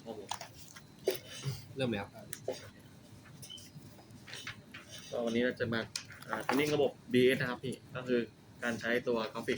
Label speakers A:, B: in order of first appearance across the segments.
A: โอ้โห
B: เริ่มแล้ว
A: ก็วันนี้เราจะมาเทรนนิ่งระบบ BS นะครับพี่ก็คือการใช้ตัวกราฟิก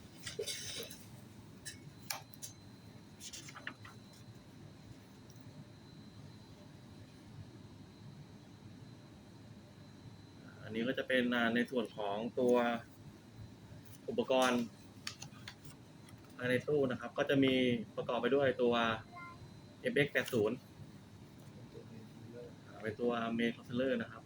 A: อันนี้ก็จะเป็นในส่วนของตัวอุปกรณ์ภายในตู้นะครับก็จะมีประกอบไปด้วยตัว FX80 เป็นตัว Main Controller นะครับ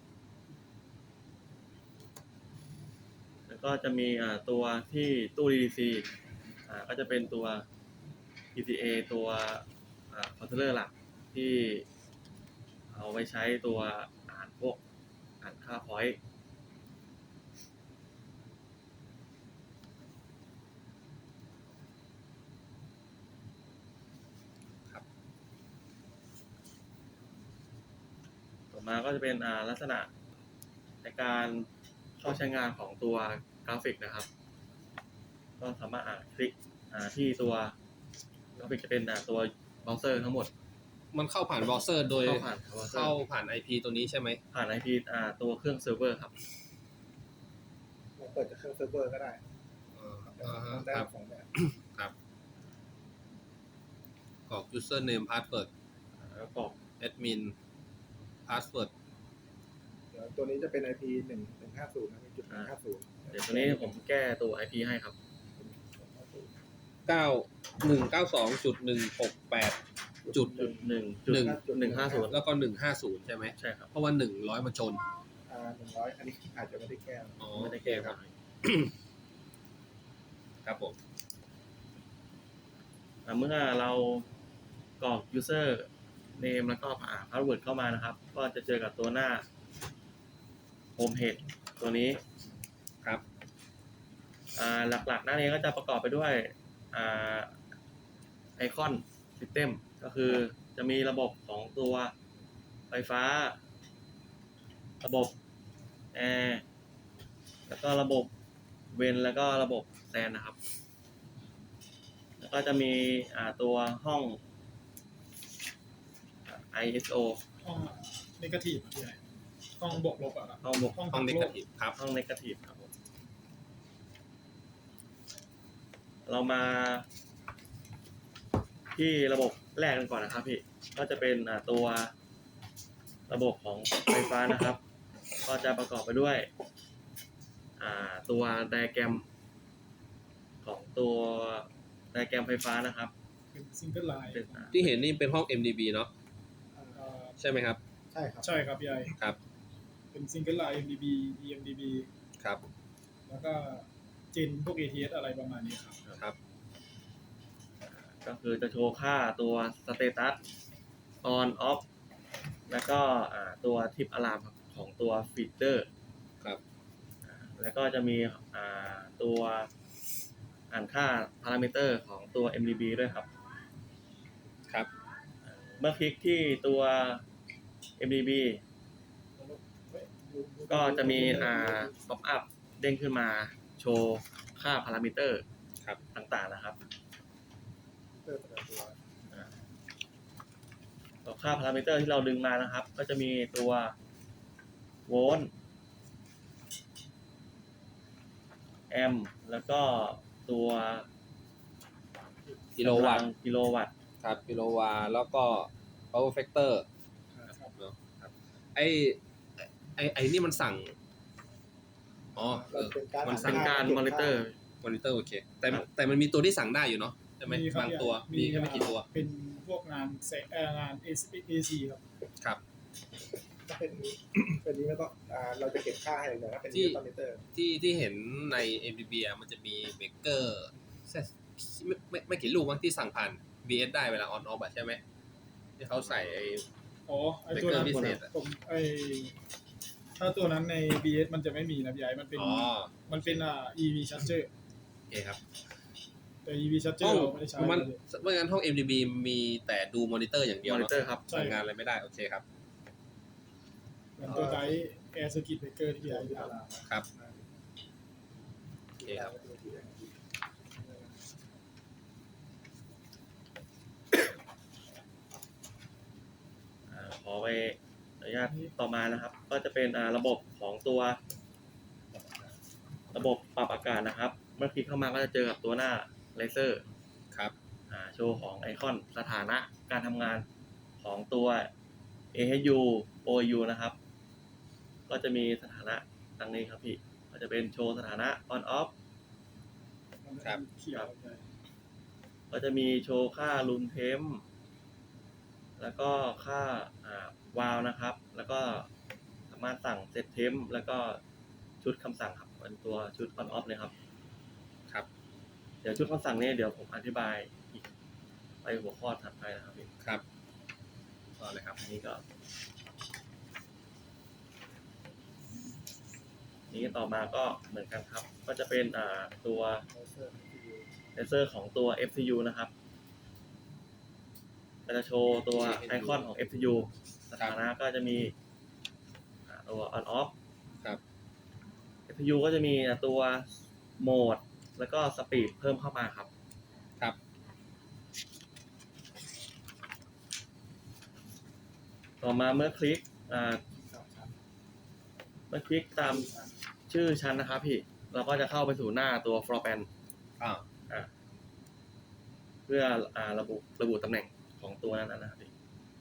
A: แล้วก็จะมีตัวที่ตู้ DDC ก็จะเป็นตัว PCA ตัวController หลักที่เอาไว้ใช้ตัวอ่านค่า pointต่อมาก็จะเป็นลักษณะในการเข้าใช้งานของตัวกราฟิกนะครับก็สามารถคลิกที่ตัวกราฟิกจะเป็นตัวเบราว์เซอร์ทั้งหมด
B: มันเข้าผ่านเบราว์เซอร์โดย
A: เข้าผ่าน
B: IP ตัวนี้ใช่ไหม
A: ผ่าน IP ตัวเครื่องเซิร์ฟเวอร์ครับ
C: เราเปิดจากเครื่องเซิร์ฟเวอร์ก็ได้ได้
B: ครับ
C: ของแบบ
B: ครับกรอก username password
A: แล้วก็
B: admin password
C: เดี๋ยวตัวนี้จะเป็น IP 1.150นะมีจุด150
A: เดี๋ยวตัวนี้ผมแก้ตัว IP ให้ครับ
B: 9192.168จุด
A: 1.150
B: แล้วก็150ใช่ไหม
A: ใช่ครับ
B: เพราะว่า100มันชน
C: 100อันนี้อาจจะไม่ได้แก้
B: อ๋อ
A: ไม่ได้แก้ครับ
B: ครับผม
A: เมื่อเรากรอก user name แล้วก็password เข้ามานะครับก็จะเจอกับตัวหน้า home page ตัวนี้
B: ครับ
A: หลักๆหน้านี้ก็จะประกอบไปด้วยไอคอน system ก็คือจะมีระบบของตัวไฟฟ้าระบบแอร์แล้วก็ระบบเวนแล้วก็ระบบแซนนะครับแล้วก็จะมีตัวห้อง ISO
D: ห้องเนกาทีฟใหญ่ห้องบวกลบอ่ะครับ
A: ห้องบวก
B: ห้อง negative ครับ
A: ห้อง negative ครับผมเรามาที่ระบบแรกกันก่อนนะครับพี่ก็จะเป็นตัวระบบของไฟฟ้านะครับก็จะประกอบไปด้วยตัวไดอะแกรมของตัวไดอะแกรมไฟฟ้านะครับ
D: เป็นซิงเกิลไลน์
A: เป็น
B: ที่เห็นนี่เป็นห้อง MDB เนาะใช่ไหมครับ
C: ใช่ครับ
D: ใช่ครับพี่ไอ
B: ครับ
D: เป็นซิงเกิลไลน์ MDB EMDB
B: ครับ
D: แล้วก็เจนพวก ATS อะไรประมาณนี้ครับ
B: ครับ
A: ก็คือจะโชว์ค่าตัวสเตตัส on off แล้วก็ตัวทิปอะลามของตัวฟีเจอร์
B: ครับ
A: แล้วก็จะมีตัวอ่านค่าพารามิเตอร์ของตัว MDB ด้วยครับ
B: ครับ
A: เมื่อคลิกที่ตัว MDB ก็จะมีป๊อปอัพเด้งขึ้นมาโชว์ค่าพารามิเตอร์
B: ครับ
A: ต่างๆนะครับ
C: เปิดประตู
A: ตัวค่าพารามิเตอร์ที่เราดึงมานะครับ ก็จะมีตัวโวลต์แอมป์แล้วก็ตัว
B: กิโลวัตต์
A: กิโลวัตต์
B: ครับกิโลวาต์แล้วก็ power factor
D: ครับ
B: เนาะครับไอนี่มันสั่งอ๋อมันสั่
A: เป็
B: ง
A: นการมอนิเตอร์
B: มอนิเตอร์โอเคแต่มันมีตัวที่สั่งได้อยู่เนาะใช่ไหม
D: ครับ
B: บางตัวมีแค่ไม่กี่ตัว
D: เป็นพวกงานงาน AC ครับ
B: ครับ
C: ถ้าเป็นนี้แล้วก็เราจะเก็บค่าให้เลยถ้าเป็น
B: ที่
C: คอมพิวเตอร์
B: ที่เห็นใน MDB มันจะมีเบเกอร์ไม่กี่ลูกมั้งที่สั่งผ่าน BS ได้เวลา on off ใช่ไหมที่เขาใส่ไอ้
D: อ๋อไอตัวนั้น
B: เบเกอร์พิเศษอะ
D: ผมถ้าตัวนั้นใน BS มันจะไม่มีนะพี่ไอมันเป็น
B: อ๋อ
D: EV charger
B: โอเคครับ
D: แต่ EV charger
B: ห้อง
D: เราไม่ได้ใช้
B: มันเมื่องั้นห้อง MDB มีแต่ดูมอนิเตอร์อย่างเดียว
A: มอนิ
B: เนาะ
A: เตอร์ครับ
B: สั่งงานอะไรไม่ได้โอเคครับ
D: เหมือนตัวไดแอร์สกิทเบเกอร์ที่พี่ไอที่ตลาด
B: ครับโอเคครับ
D: ค
A: อนุญาตต่อมานะครับ ก็จะเป็นระบบของตัวระบบปรับอากาศนะครับ เมื่อคลิกเข้ามาก็จะเจอกับตัวหน้าเลเซอร์
B: ครับ
A: โชว์ของไอคอนสถานะการทำงานของตัว AHU OU นะครับ ก็จะมีสถานะดังนี้ครับพี่ก็จะเป็นโชว์สถานะ on off
B: ครับ
D: เขียวเลย
A: ก็จะมีโชว์ค่า room temp แล้วก็ค่าวาล์วนะครับ แล้วก็สามารถสั่ง set temp แล้วก็ชุดคำสั่งครับเป็นตัวชุด on off เลยครับ
B: ครับ
A: เดี๋ยวชุดคำสั่งนี้เดี๋ยวผมอธิบายอีกไปหัวข้อถัดไปนะครับพี่
B: ครับต่อเลยครับ
A: อันนี้ก็นี้ต่อมาก็เหมือนกันครับ ก็จะเป็นตัวเลเซอร์ของตัว FCU นะครับก็จะโชว์ตัวไอคอนของ FCU สถานะก็จะมีตัว on off
B: ครับ
A: FCU ก็จะมีตัวโหมดแล้วก็สปีดเพิ่มเข้ามาครับ
B: ครับ
A: ต่อมาเมื่อคลิกตามชื่อชั้นนะครับพี่เราก็จะเข้าไปสู่หน้าตัว floor plan เพื่อระบุตำแหน่งของตัวนั้นนะครับพี่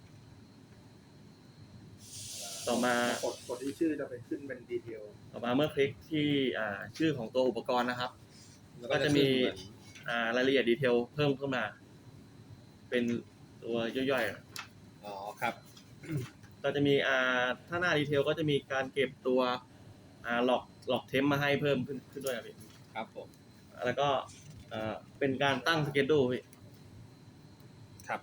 A: ต่อมาก
C: ดที่ชื่อจะไปขึ้นเป็นดีเทล
A: ต่อมาเมื่อคลิกที่ชื่อของตัวอุปกรณ์นะครับ ก็จะมีรายละเอียดดีเทลเพิ่มขึ้นมา เป็นตัวย่อยๆ
B: อ๋อครับ
A: ก็จะมีถ้าหน้าดีเทลก็จะมีการเก็บตัวหลอกเทมมาให้เพิ่มขึ้นด้วยครับพี่
B: ครับผม
A: แล้วก็เป็นการตั้งสเกจดูพี่
B: ครับ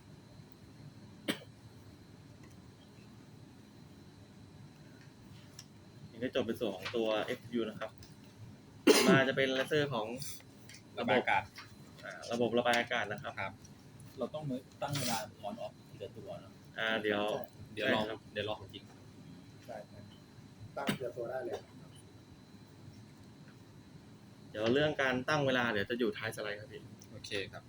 A: นี่ได้จบเป็นส่วนของตัว FU นะครับ มาจะเป็นเลเซอร์ของ
B: ระบายอากาศ
A: ระบบระบายอากาศนะครับ
B: ครับ
E: เราต้องตั้งเวลาออนออฟทีละตัวเนอะ
A: เดี๋ยว
B: เดี๋ยวลอง
A: ใช่ครับ
B: เดี๋ยวลองของจริง
C: ใช่ตั้งเทียตัวได้เลย
A: เดี๋ยวเรื่องการตั้งเวลาเดี๋ยวจะอยู่ท้ายสไลด์ครับพี่
B: โอเคครับผม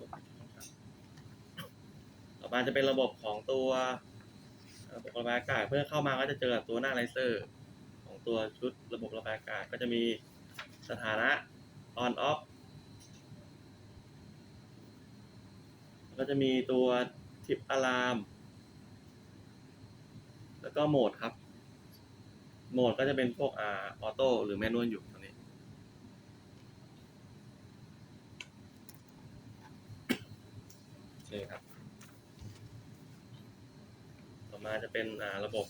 A: ต่อมาจะเป็นระบบของตัวระบบระบายอากาศเพื่อเข้ามาก็จะเจอกับตัวหน้าเลเซอร์ของตัวชุดระบบระบายอากาศก็จะมีสถานะ on off ก็จะมีตัวทิปอะลามแล้วก็โหมดครับโหมดก็จะเป็นพวกออโต้หรือแมนนวลอยู่ตรงนี้
B: โอเคครับ
A: ต่อมาจะเป็นระบบ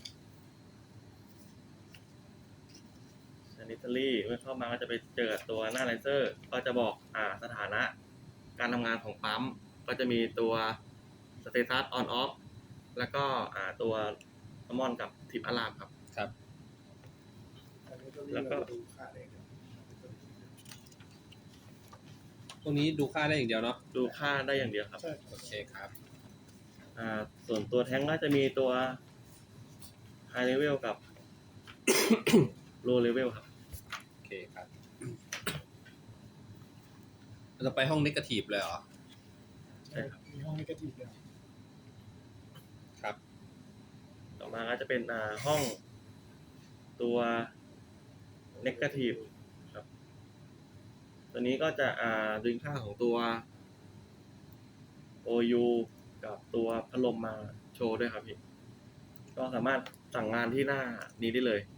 A: sanitary เมื่อเข้ามาก็จะไปเจอตัวหน้าไลเซอร์ก็จะบอกสถานะการทำงานของปั๊มก็จะมีตัว status on off แล้วก็ตัวมอนกับทิปอะลามครับ
B: ครับ
A: แล้วก็
C: ดูค่าเอง
B: ตรงนี้ดูค่าได้อย่างเดียวเนาะ
A: ดูค่าได้อย่างเดียวครับ
D: ใช่
B: โอเคครับ
A: ส่วนตัวแท้งก็จะมีตัว high level กับ low level ครับ
B: โอเคครับ เราจะไปห้องนิเกทีฟเลยเหรอ
A: ใช่ครับ
D: มีห้องนิเกทีฟเลย
B: ครับ
A: ต่อมาก็จะเป็นห้องตัว negative ครับ ตัวนี้ก็จะดึงค่าของตัว OU กับตัวพัดลมมาโชว์ด้วยครับพี่ ก็สามารถสั่งงานที่หน้านี้ได้เลย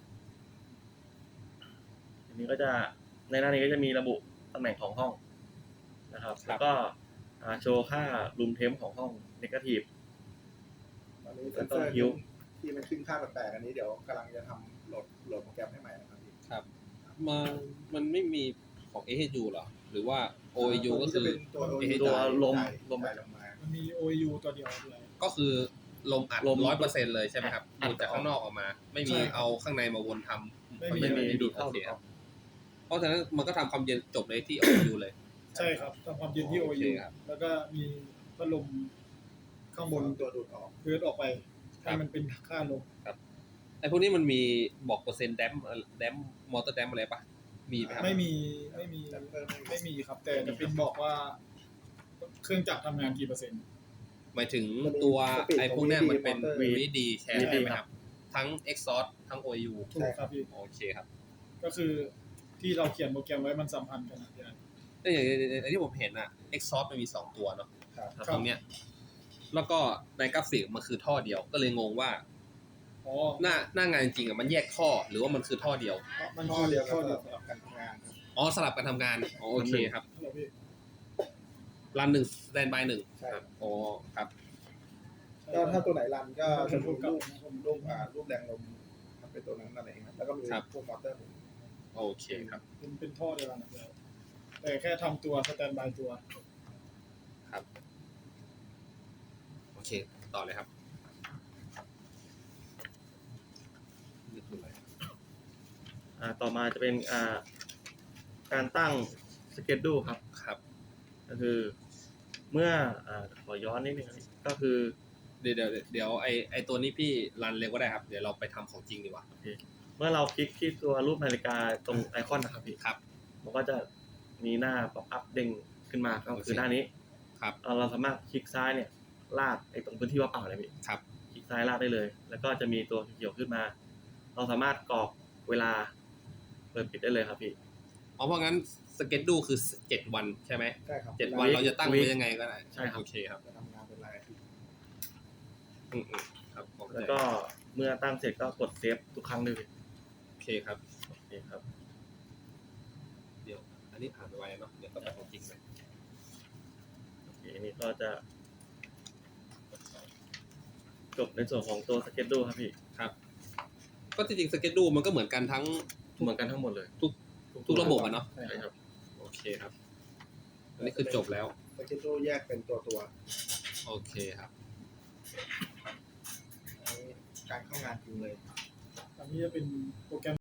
A: ทีนี้ก็จะในหน้านี้ก็จะมีระบุตำแหน่งของห้องนะครับ
B: ครับ
A: แล้วก็โชว์ค่า room temp ของห้อง negative
C: ตอนนี้เซนเซอร์ที่มันขึ้นค่าแปลกๆอันนี้เดี๋ยวกำลังจะทำโหลดโปรแกรมให้ใหม่นะครับพี่
B: ครับ มันไม่มีของ AHU เหรอ หรือว่า OU ก็คือ
C: เป็นตัว
B: AHU
A: ตัวลม
C: ลงมา
D: มันมี OU ตัวเดียวด้วย
B: ก็คือลมอัด
A: ลม
B: 100%เลยใช่ไหมครับ
A: อัด
B: ดูจากข้างนอกออกมา ไม่มี
D: ใช่
B: เอาข้างในมาวนทำ
D: ไม่มี
A: ดูดเข้า
B: โอเค
A: ดูด
B: ค
A: อ
B: รั
A: อบ ก
B: เพราะฉะนั้นมันก็ทำความเย็นจบเลยที่ OU เลย
D: ใช่ครับทำความเย็นที่
B: โอเค
D: OU
B: ครับ
D: แล้วก็มีพัดลมข้างบน
C: ตัวดูดออก
D: เพิร์ดออกไปให้มันเป็นค่าลม
B: ไอ้พวกนี้มันมีบอกเปอร์เซ็นต์แดมมอเตอร์แดมอะไรปะมีไหมครับ
D: ไม่มีไม่มีครับ แต่จะเป็นบอกว่าเครื่องจักรทำงานกี่เปอร์เซ็นต์
B: หมายถึงตัวไอ้พวกเนี้ยมันเป็น
C: VD
B: VD แชร์ใช่ไหมครับ ทั้ง Exhaust ทั้ง OU
D: ถูกครับพี่
B: โอเคครับ
D: ก็คือที่เราเขียนโปรแกรมไว้มันสัมพันธ์กันนะพี่ไอ้
B: แต่อย่างที่ผมเห็นอะ Exhaust มันมี2ตัวเนาะ
C: ครับ
D: ครับ
B: ตรงเนี้ยแล้วก็ในกราฟิกมันคือท่อเดียวก็เลยงงว่า
D: อ๋อ
B: หน้างานจริงๆอะมันแยกท่อหรือว่ามันคือท่อเดียว
D: มัน
C: ข้อ
D: คือ
C: เดียว
D: ข้อ
C: กัน
D: เดียว
C: สำหรับการทำงานครับ
B: อ๋อสลับกันทำงานอ๋อโอเคครับ
D: เหรอพี่
B: รัน1 Standby 1
C: ใช่
B: ครับอ๋อครับ
C: ก็ถ้าตัวไหนรันก็
D: เป็
C: จะ
D: น
C: มี
D: รูป
C: รูปแรงลมมันเป็นตัวนั้นนั่นเองครับแล้วก็มี
B: ครับ
C: พวกมอเตอร์หมุน
B: โอเคครับ
D: เป็นท่อเดียวกันนะพี่ไอ้แต่แค่ทำตัวสแตนบายตัว
B: ครับโอเคต่อเลยครับนี่คืออะไร
A: ต่อมาจะเป็นการตั้งสเกจดูครับ
B: ครับ
A: ก็คือเมื่อขอย้อนนิดนึงครับก็คือ
B: เดี๋ยวไอตัวนี้พี่รันเร็วก็ได้ครับ เดี๋ยวเราไปทำของจริงดีกว่า
A: เมื่อเราคลิกที่ตัวรูปนาฬิกาตรงไอคอนนะครับพี่
B: ครับ
A: มันก็จะมีหน้าป๊อปอัพเด้งขึ้นมาก็คือหน้านี้
B: ครับ
A: เราสามารถคลิกซ้ายเนี่ยลากไอ้ตรงพื้นที่ว่างเปล่าเลยพี่
B: ครับ
A: คลิกซ้ายลากได้เลย แล้วก็จะมีตัวเขียวขึ้นมา เราสามารถกรอกเวลาเปิดปิดได้เลยครับพี่
B: อ๋อเพราะงั้นสเก็ตดูคือ7 วันใช่ไหม
C: ใช่ครับ
B: 7 วันเราจะตั้งไว้ยังไงก็ได้
A: ใช่ครับ
B: โอเคครับ
C: จะทำงานเป็นรายอาทิตย์
B: อืมครับผมเข้าใจ
A: แล้วก็เมื่อตั้งเสร็จก็กดเซฟทุกครั้งเลยพี่
B: โอเคครับ
A: โอเคครับ
B: เดี๋ยวอันนี้ผ่านไปไวเนาะเดี๋ยวก็ไปของจริงเลย
A: โอเคนี่ก็จะจบในส่วนของตัวสเก็ตดูครับพี่
B: ครับ ก็จริงๆสเก็ตดูมันก็เหมือนกันทั้ง
A: เหมือนกันทั้งหมดเลย
B: ทุกระบบอะเนาะ
A: ใช่ครับ
B: โอเคครับ อันนี้คือจบแล้ว
C: สเกจโดแยกเป็นตัว
B: โอเคครับ
C: อันนี้การเข้างานจริงเลย
D: อันนี้จะเป็นโปรแกรม